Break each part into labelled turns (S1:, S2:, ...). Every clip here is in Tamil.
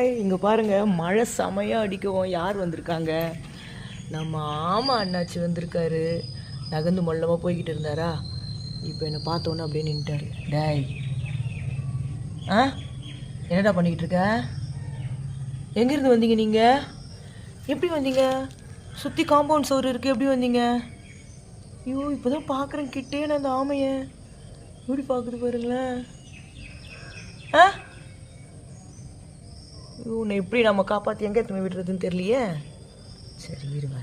S1: பாய். இங்கே பாருங்கள், மழை செமையாக அடிக்கவும் யார் வந்திருக்காங்க? நம்ம ஆமா அண்ணாச்சி வந்திருக்காரு. நகர்ந்து மொல்லமாக போய்கிட்டு இருந்தாரா, இப்போ என்னை பார்த்தோன்னே அப்படியே நின்ட்டாரு. டேய், என்னடா பண்ணிக்கிட்டு இருக்க? எங்கேருந்து வந்தீங்க நீங்கள்? எப்படி வந்தீங்க? சுற்றி காம்பவுண்ட் சோறு இருக்குது, எப்படி வந்தீங்க? ஐயோ, இப்போ தான் பார்க்குறேன் கிட்டே நான் அந்த ஆமையை. எப்படி பார்க்குது பாருங்களேன். உன்னை எப்படி நம்ம காப்பாற்றி எங்கே எடுத்து விடுறதுன்னு தெரியலையே. சரி இருங்க,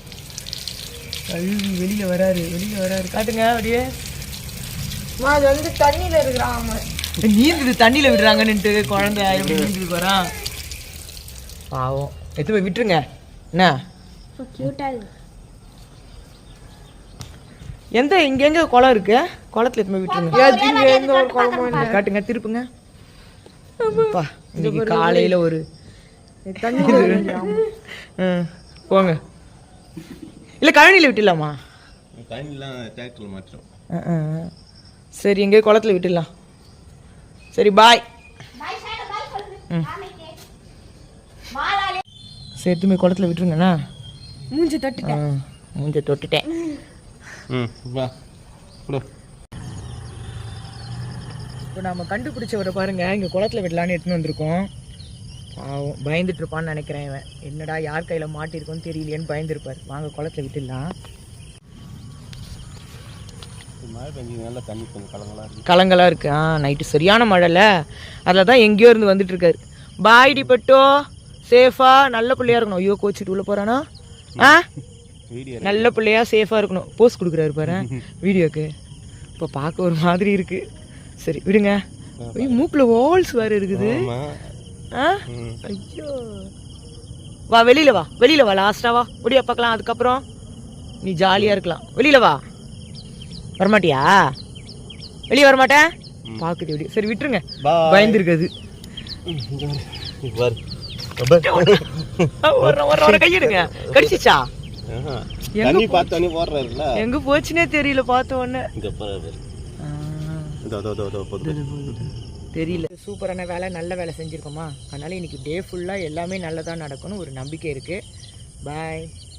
S1: கழுவி வெளியில் வராரு. காட்டுங்க அப்படியே.
S2: அது வந்து தண்ணியில் இருக்கிறான்.
S1: நீந்துது, தண்ணியில் விடுறாங்கன்னுட்டு குழந்தை எப்படி நீந்துது போகிறான். பாவம், எடுத்து போய் விட்டுருங்க. என்ன இங்கே குளம் இருக்கு, குளத்துல எடுத்து போய் விட்டுருங்க. காட்டுங்க, திருப்புங்க. இன்னைக்கு காலையில் ஒரு தண்ணி போங்க. இல்லை கழனியில் விட்டுடலாமா? சரி, எங்கே குளத்துல விட்டுடலாம். சரி பாய். சரி, எடுத்து குளத்துல விட்டுருங்கண்ணா. மூஞ்சி தொட்டுட்டேன். இப்போ நம்ம கண்டுபிடிச்சவரை பாருங்க, இங்கே குளத்துல விடலான்னு எடுத்துன்னு வந்திருக்கோம். பாவம், பயந்துட்டு இருப்பான்னு நினைக்கிறேன். இவன் என்னடா யார் கையில் மாட்டிருக்கோன்னு தெரியலையேன்னு பயந்துருப்பார். வாங்க குளத்துல விட்டுடலாம். கலங்களாக இருக்கு. நைட்டு சரியான மழைல, அதில் தான் எங்கேயோ இருந்து வந்துட்டு இருக்காரு. பாய் டிபட்டோ, சேஃபா நல்ல பிள்ளையா இருக்கணும். ஐயோ, கோச்சிட்டு உள்ள போறானா? நல்ல பிள்ளையா சேஃபா இருக்கணும். போஸ்ட் கொடுக்குறாரு பாரு வீடியோக்கு. இப்போ பார்க்க ஒரு மாதிரி இருக்கு. சரி விடுங்க. மூக்குல வால்ஸ் வேற இருக்குது. ஐயோ, வா வெளியில வா, லாஸ்டா வா, ஒடியா பார்க்கலாம். அதுக்கப்புறம் நீ ஜாலியா இருக்கலாம். வெளியில வா. வரமாட்டியா? வெளியே வரமாட்டேன். பாக்குது வெளியே. சரி விட்டுருங்க, பயந்துருக்குது. கையிடுங்க. கடிச்சிச்சா? எங்க போச்சுன்னே தெரியல. பார்த்த உடனே தெரியல. சூப்பரான வேலை, நல்ல வேலை செஞ்சுருக்கோமா. அதனால இன்னைக்கு டே ஃபுல்லாக எல்லாமே நல்லதாக நடக்கணும் ஒரு நம்பிக்கை இருக்குது. பாய்.